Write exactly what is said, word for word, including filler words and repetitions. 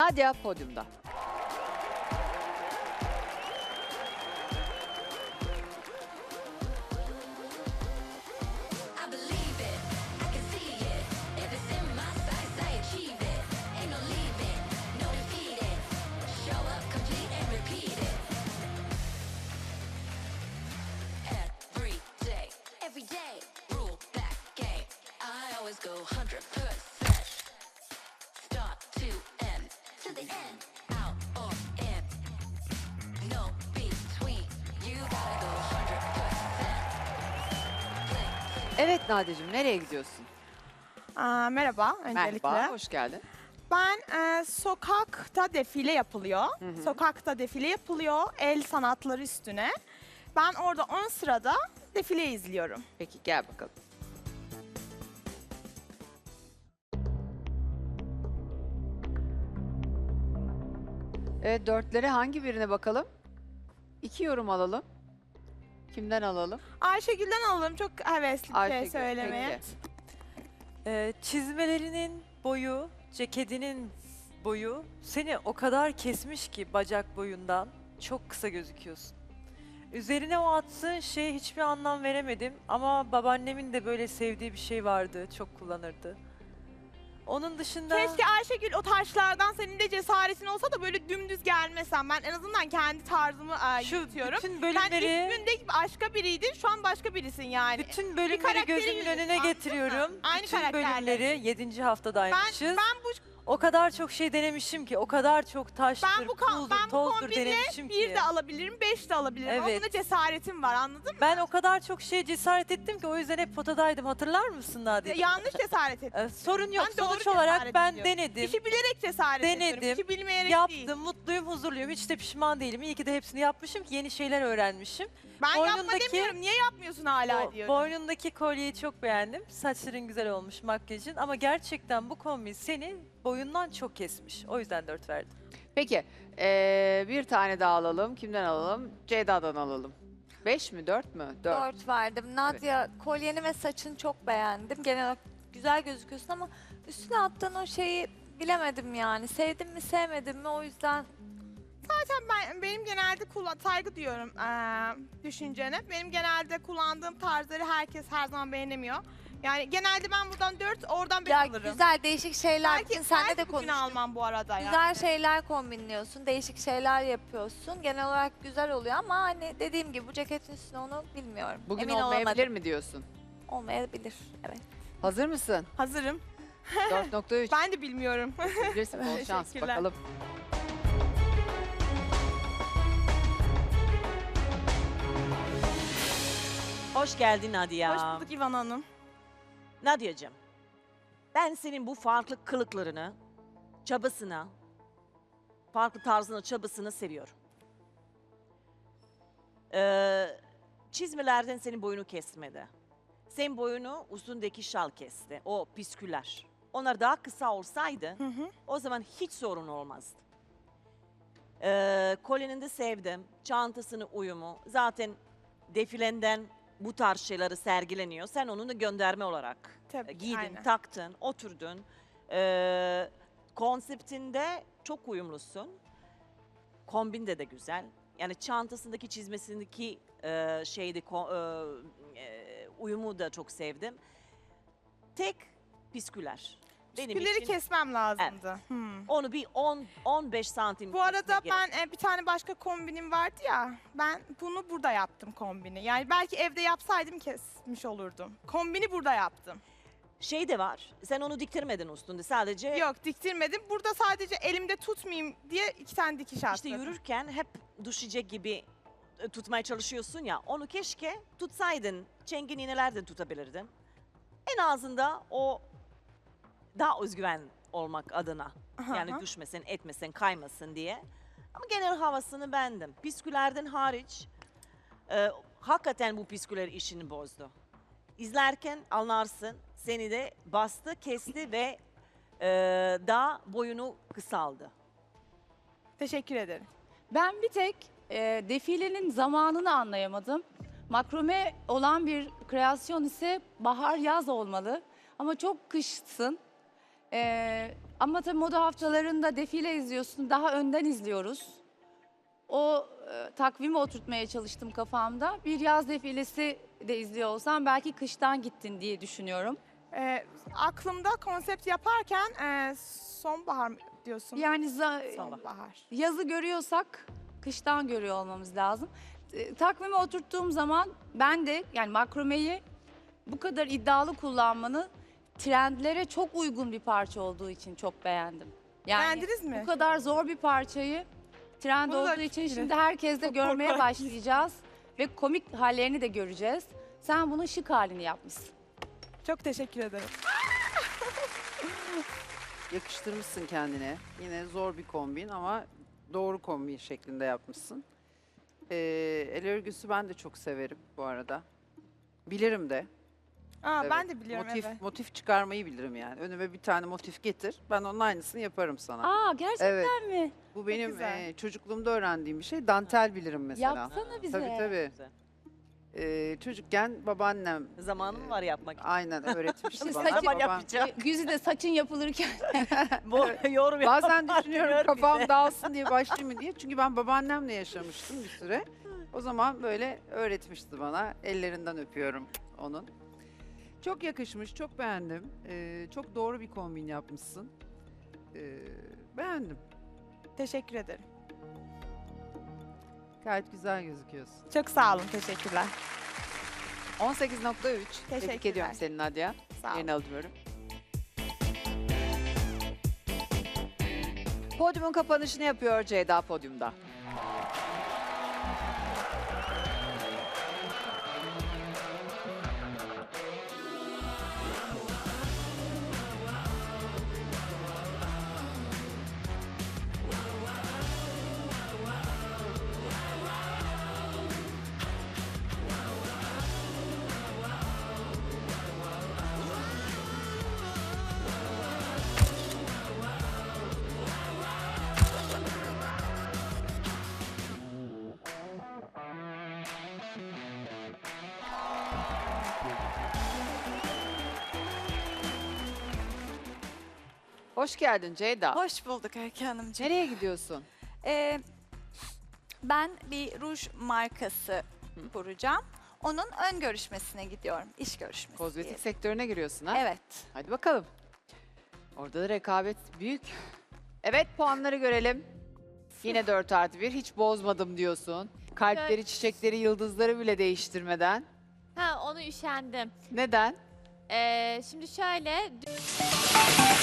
Nadia podyumda. I believe it, I can see it. If it's in my sights, I achieve it. Ain't no leaving, no defeating. Show up complete and repeat it. Every day, every day, rule that game. I always go one hundred percent. Start to end, to the end, out or in. No between, you gotta go one hundred percent. Evet Nadia'cığım, nereye gidiyorsun? Aa, merhaba öncelikle. Merhaba, hoş geldin. Ben e, sokakta defile yapılıyor. hı. Sokakta defile yapılıyor el sanatları üstüne. Ben orada ön sırada defile izliyorum. Peki gel bakalım. Evet, dörtlere hangi birine bakalım? İki yorum alalım. Kimden alalım? Ayşegül'den alalım. Çok hevesli bir Ayşegül, şey söylemeye. peki. Ee, çizmelerinin boyu, ceketinin boyu seni o kadar kesmiş ki bacak boyundan çok kısa gözüküyorsun. Üzerine o attığın şeye hiçbir anlam veremedim ama babaannemin de böyle sevdiği bir şey vardı, çok kullanırdı. Onun dışında Keşke Ayşegül o taşlardan senin de cesaretin olsa da böyle dümdüz gelmesen. Ben en azından kendi tarzımı e, şu yürütüyorum. bütün Sen bölümleri, isminde başka biriydin, şu an başka birisin yani. bütün bölümleri karakteri gözümün yürütüyorsun, önüne anladın mı? getiriyorum. Aynı bütün karakterle. bölümleri yedinci haftadaymışız. Ben, ben bu O kadar çok şey denemişim ki, o kadar çok taştır, Ben bu, ka- puldur, ben bu tozdur kombinle denemişim bir ki. de alabilirim, beş de alabilirim. Ama Evet. buna cesaretim var, anladın mı? Ben o kadar çok şeye cesaret ettim ki o yüzden hep potadaydım. Hatırlar mısın Nadia? Yanlış cesaret ettim. Ee, sorun yok. Ben doğru Sonuç olarak cesaret ben ediyorum. denedim, İşi bilerek cesaret Denedim, ediyorum. İşi bilmeyerek yaptım, değil. mutluyum, huzurluyum. Hiç de pişman değilim. İyi ki de hepsini yapmışım ki yeni şeyler öğrenmişim. Ben yapma boynundaki- demiyorum. Niye yapmıyorsun hala O diyorum. boynundaki kolyeyi çok beğendim. Saçların güzel olmuş, makyajın. Ama gerçekten bu kombin seni boyundan çok kesmiş. O yüzden dört verdim. Peki, ee, bir tane daha alalım. Kimden alalım? Ceyda'dan alalım. Beş mi, dört mü? Dört. Dört verdim. Nadia, kolyeni ve saçını çok beğendim. Genel olarak güzel gözüküyorsun ama üstüne attığın o şeyi bilemedim yani. Sevdim mi sevmedim mi, o yüzden Zaten ben, benim genelde kullan saygı diyorum eee düşüncene. Benim genelde kullandığım tarzları herkes her zaman beğenemiyor. Yani genelde ben buradan dört, oradan beş ya alırım. güzel değişik şeyler. Belki, Bugün seninle de belki bugün konuştuk. almam bu arada ya. Güzel şeyler kombinliyorsun, değişik şeyler yapıyorsun. Genel olarak güzel oluyor ama hani dediğim gibi bu ceketin üstüne onu bilmiyorum. Bugün Emin olmayabilir olamadım. mi diyorsun? Olmayabilir, evet. Hazır mısın? Hazırım. dört nokta üç. Ben de bilmiyorum. Bilirsin, bol şans. Teşekkürler. Bakalım. Hoş geldin Nadia. Hoş bulduk İvan Hanım. Nadia'cığım, ben senin bu farklı kılıklarını, çabasını, farklı tarzını, çabasını seviyorum. Ee, çizmelerden senin boyunu kesmedi. Senin boyunu üstündeki şal kesti, o püsküller. Onlar daha kısa olsaydı, Hı hı. o zaman hiç sorun olmazdı. Ee, kolyenini de sevdim, çantasını uyumu. Zaten defilenden bu tarz şeyleri sergileniyor. Sen onu da gönderme olarak Tabii ki, giydin, aynen. taktın, oturdun. Ee, konseptinde çok uyumlusun. Kombinde de güzel. Yani çantasındaki, çizmesindeki e, şeydi, ko- e, e, uyumu da çok sevdim. Tek pisküler. Benim Püskülleri için kesmem lazımdı. Hmm. onu bir on on beş santim Bu arada kesmek gerek. ben e, bir tane başka kombinim vardı ya. Ben bunu burada yaptım kombini. Yani belki evde yapsaydım kesmiş olurdum. Kombini burada yaptım. Şey de var. Sen onu diktirmedin üstünde. Sadece Yok diktirmedim. Burada sadece elimde tutmayayım diye iki tane dikiş attım. işte yürürken hep düşecek gibi e, tutmaya çalışıyorsun ya. Onu keşke tutsaydın. Çengin iğnelerden tutabilirdin. En azında o daha özgüven olmak adına. Aha, Yani aha. düşmesin, etmesin, kaymasın diye. Ama genel havasını beğendim. Piskülerden hariç e, hakikaten bu pisküler işini bozdu. İzlerken anlarsın, seni de bastı, kesti ve e, daha boyunu kısaldı. Teşekkür ederim. Ben bir tek e, defilenin zamanını anlayamadım. Makrome olan bir kreasyon ise bahar yaz olmalı. Ama çok kışsın. E, Ama tabii moda haftalarında defile izliyorsun, daha önden izliyoruz. O e, takvimi oturtmaya çalıştım kafamda. Bir yaz defilesi de izliyor olsam belki kıştan gittin diye düşünüyorum. Ee, aklımda konsept yaparken e, sonbahar mı diyorsun. Yani za- Sonbahar. yazı görüyorsak kıştan görüyor olmamız lazım. E, takvime oturttuğum zaman ben de yani makromeyi bu kadar iddialı kullanmanı trendlere çok uygun bir parça olduğu için çok beğendim. Yani Beğendiniz mi? bu kadar zor bir parçayı trend Bunu da olduğu için yine şimdi herkes de çok görmeye korkarak başlayacağız ve komik hallerini de göreceğiz. Sen bunun şık halini yapmışsın. Çok teşekkür ederim. Yakıştırmışsın kendine. Yine zor bir kombin ama doğru kombin şeklinde yapmışsın. Ee, el örgüsü ben de çok severim bu arada. Bilirim de. Aa, Evet. Ben de biliyorum motif, evet. motif çıkarmayı bilirim yani. Önüme bir tane motif getir. Ben onun aynısını yaparım sana. Aa gerçekten Evet. mi? Bu benim güzel. e, çocukluğumda öğrendiğim bir şey. Dantel bilirim mesela. Yapsana bize. Tabii tabii. Güzel. Ee, çocukken babaannem Zamanım var yapmak için. aynen öğretmişti Şimdi bana. saçı- Ama Babam- yapacağım. Güzide saçın yapılırken Bu yorum Bazen yapan düşünüyorum diyor kafam bize. dağılsın diye başlayayım mı diye. Çünkü ben babaannemle yaşamıştım bir süre. O zaman böyle öğretmişti bana. Ellerinden öpüyorum onun. Çok yakışmış, çok beğendim. Ee, çok doğru bir kombin yapmışsın. Ee, beğendim. Teşekkür ederim. Gayet güzel gözüküyorsun. Çok sağ olun. Teşekkürler. on sekiz nokta üç. Tebrik Teşekkürler. ediyorum seni Nadia. Sağ olun. Yerini alıyorum. Podyumun kapanışını yapıyor Ceyda podyumda. Hoş geldin Ceyda. Hoş bulduk Öykü Hanımcığım. Nereye gidiyorsun? Ee, ben bir ruj markası kuracağım. Onun ön görüşmesine gidiyorum. İş görüşmesi. Kozmetik diyelim. sektörüne giriyorsun ha? Evet. Hadi bakalım. Orada da rekabet büyük. Evet puanları görelim. Yine dört artı bir. Hiç bozmadım diyorsun. Kalpleri, çiçekleri, yıldızları bile değiştirmeden. Ha onu üşendim. Neden? Ee, şimdi şöyle